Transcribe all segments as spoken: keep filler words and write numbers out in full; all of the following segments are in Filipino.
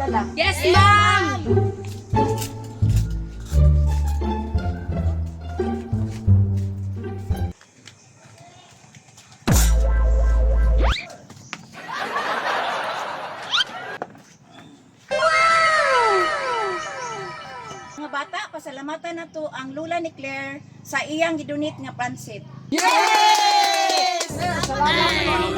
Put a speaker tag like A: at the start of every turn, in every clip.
A: Lola?
B: Yes, ma'am!
A: Mga bata, pasalamatan na to ang lula ni Claire sa iyang gidunit nga pansit.
C: Yes! Salamat.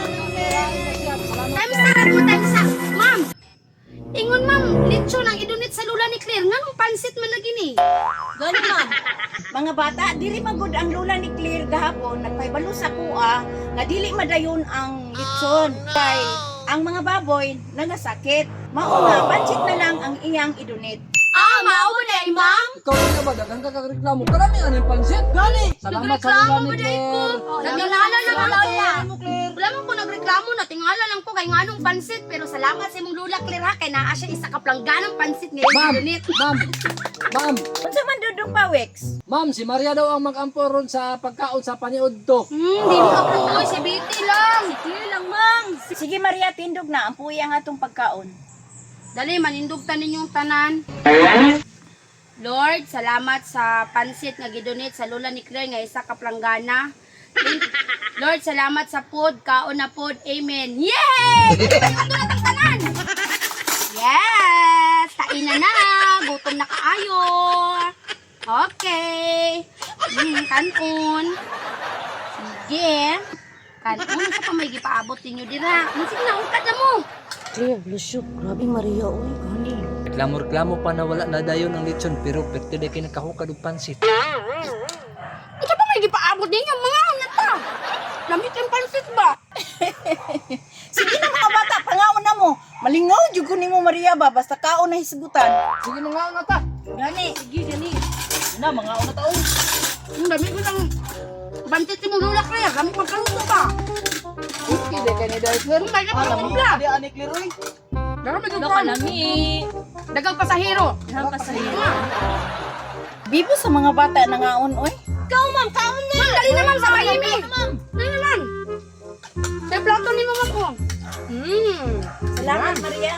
B: Times na mo, times na. Ma'am! Ingon, ma'am, lechon ang idunit sa lula ni Claire. Nga nung pansit man na gini.
A: Gani ma'am. Mga bata, dili magud ang lula ni Claire gahapon nagpaybalo sa kuha nga dili madayon ang litson. Kay ang mga baboy nagasakit. Mao nga pansit na lang ang iyang idunit.
B: Ah, mao ba day, ma'am?
C: Ikaw na ba? Dagang kakareklamo. Karami ano yung pansit? Gani! Salamat sa
B: Nagreklamo
C: lula
B: ba
C: ni
B: day ko?
C: Claire.
B: Naglalala na ba lola?
C: Mo, Claire.
B: Wala man ko nagreklamo na tingala lang ko kay nganong pansit pero salamat sa imong lula Claire ha kay naa siya isa ka plangganang pansit nga
C: Ma'am!
B: idunit.
C: Ma'am! Ma'am!
A: Unsa man dudong pa, Wex?
C: Ma'am, si Maria daw ang mag-ampo ron sa pagkaon sa paniod to.
B: Hmm, di mo apoy si Betty lang. Sige lang, ma'am.
A: Sige Maria, tindog na ang puya nga atong pagkaon.
B: Dali, manindugtan ninyong tanan. Lord, salamat sa pansit nga gidunit sa lula ni Claire nga isa ka planggana. Thank- Lord, salamat sa food, kaon na food. Amen. Yay! Ito na tang tanan. Yes! Tain na na. Gutom na kaayo. Okay. Hmm, kanon. Sige. Kanon, sa pa may gipaabot ninyo dira. Hmm, sige na, ungkad na mo.
A: Claire, Lucio, grabe Maria, oy, gani.
D: Reklamo-reklamo pa na wala na dayon ang lechon pero pwede na kayo nakahukad og pansit.
B: Ito pa may gipaabot ninyo, mga una ta. Lamit yung pansit ba?
A: Sige na mga bata, pangaon na mo. Malingaw jud ko nimo Maria ba basta kaon na hisgutan.
C: Sige na nga na ta.
A: Gani.
B: Sige, gani.
A: Na mga una taon.
B: Ang dami ko ng pansit mo lula kaya. Dami ko kaluto ba?
C: Okay, de kay ni Claire.
B: Ang dami ko pula.
C: Di ani Claire oy.
B: Dami ko
A: Loka nami.
B: Dagang pasahero.
A: Nang pasahero. Bibo sa mga bata na ngaon oy.
B: Ikaw, ma'am, kaon na. Ma'am, dali na, ma'am, sa kahimi. Dali na, ma'am. Sa plato ni mama ko. Hmm.
A: Salamat Maria.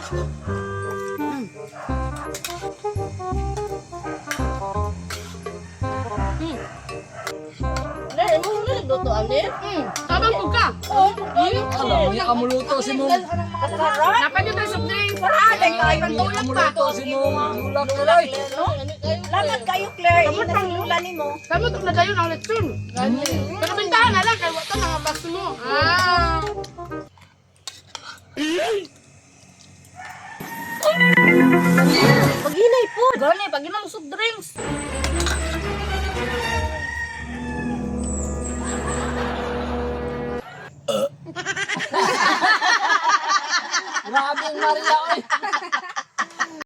A: Dai mo na nagluto ani.
B: Hmm. Sabang ko ka.
A: Oh,
C: Alam mo ya amuluto si mo.
A: sarap.
B: Dapat yung tayo soft drinks.
A: Ah, dai kayo
B: Pantulak ka.
C: Amuluto si mo. Lula Claire.
A: no? Salamat kayo Claire. Ina sa lula nimo.
B: Kamu ito na tayo ng lechon. Pero bintahan na lang, kaya wata mga baso mo. Ah.
A: Paghinay po.
B: Gani, pag mo soft drinks.
C: Grabe ang Maria oy.